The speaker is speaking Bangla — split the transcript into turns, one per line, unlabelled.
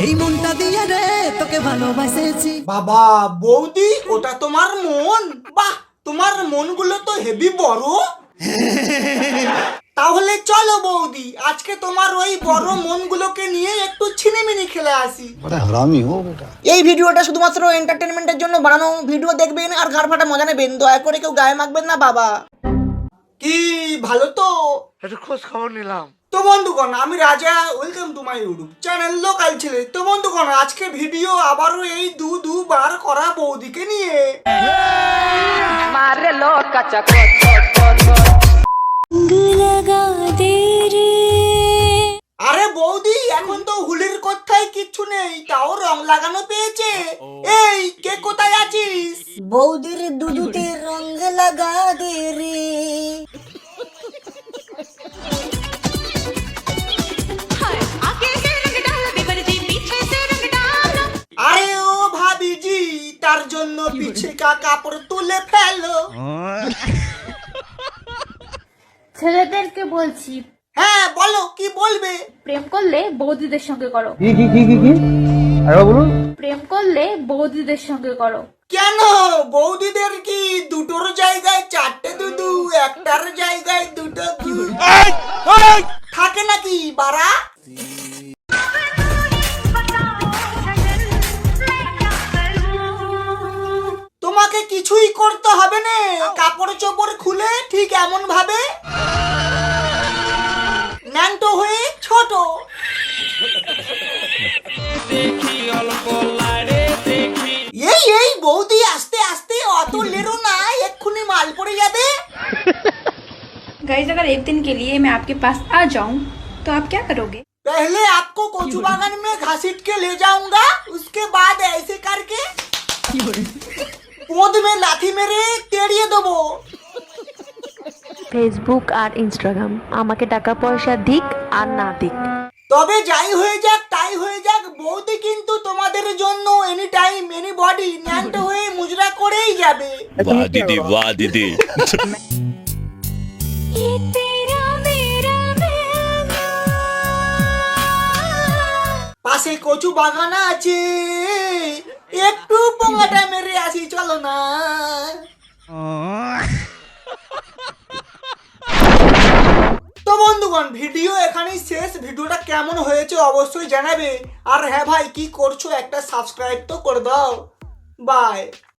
এই মনটা দিয়ে রে তোকে ভালোবাসেছি।
বাবা বৌদি ওটা তোমার মন? বাহ, তোমার মনগুলো তো হেভি বড়। তাহলে চলো বৌদি, আজকে তোমার ওই বড় মনগুলোকে নিয়ে একটু ছিনিমিনি খেলে আসি।
এই ভিডিওটা শুধুমাত্র এন্টারটেনমেন্টের জন্য বানানো। ভিডিও দেখবেন আর ঘাড় ফাটা মজা নেবেন, দয়া করে কেউ গায়ে মাখবেন না বাবা।
কি ভালো তো?
একটু খোঁজ খবর নিলাম।
তো বন্ধুগণ, আমি Raja, welcome to my YouTube channel local ছেলে। তো বন্ধুগণ, আজকে ভিডিও আবারও এই দুবার করা বৌদিকে নিয়ে। আরে বৌদি, এখন তো হুলির কোথায় কিচ্ছু নেই, তাও রং লাগানো পেয়েছে। এই কে কোথায় আছিস?
বৌদির দুধুতে রঙ লাগা দে রে।
আরে ও ভাবিজি, তার জন্য পিছে কা কাপড় তুলে ফেলো।
ছেলেদেরকে বলছি,
হ্যাঁ বলো, কি বলবে?
প্রেম করলে বৌদিদের সঙ্গে করো। প্রেম করলে বৌদিদের সঙ্গে করো।
কেন বৌদিদের কি দুটোর জায়গায় চারটে দুধু, একটার জায়গায় দুটো দুধ থাকে নাকি বাড়া? তোমাকে কিছুই করতে হবে না, কাপড় চোপড় খুলে ঠিক এমন ভাবে ন্যাংটো হয়ে ছোট। এই বৌদি, আস্তে আস্তে, অত লেরো না, এক্ষুনি মাল পড়ে যাবে।
गाइस अगर एक दिन के लिए मैं आपके पास आ जाऊं तो आप क्या करोगे?
पहले आपको कोचू बागान में घसीट के ले जाऊंगा, उसके बाद ऐसे करके पोद में लाठी मेरे तेड़िए देबो।
ফেসবুক আর ইনস্টাগ্রাম আমাকে টাকা পয়সা দিক আর না দিক,
তবে যাই হয়ে যাক তাই হয়ে যাক, বৌদি কিন্তু তোমাদের জন্য এনি টাইম এনি বডি ন্যাংটো হয়ে মুজরা করেই যাবে।
वाह दीदी वाह दीदी।
পাশে কচু বাগান আছে, একটু পোঙাটা মেরে আসি, চলো না। তো বন্ধুগণ, ভিডিও এখানেই শেষ। ভিডিওটা কেমন হয়েছে অবশ্যই জানাবে। আর হ্যাঁ ভাই, কি করছো, একটা সাবস্ক্রাইব তো করে দাও। বাই।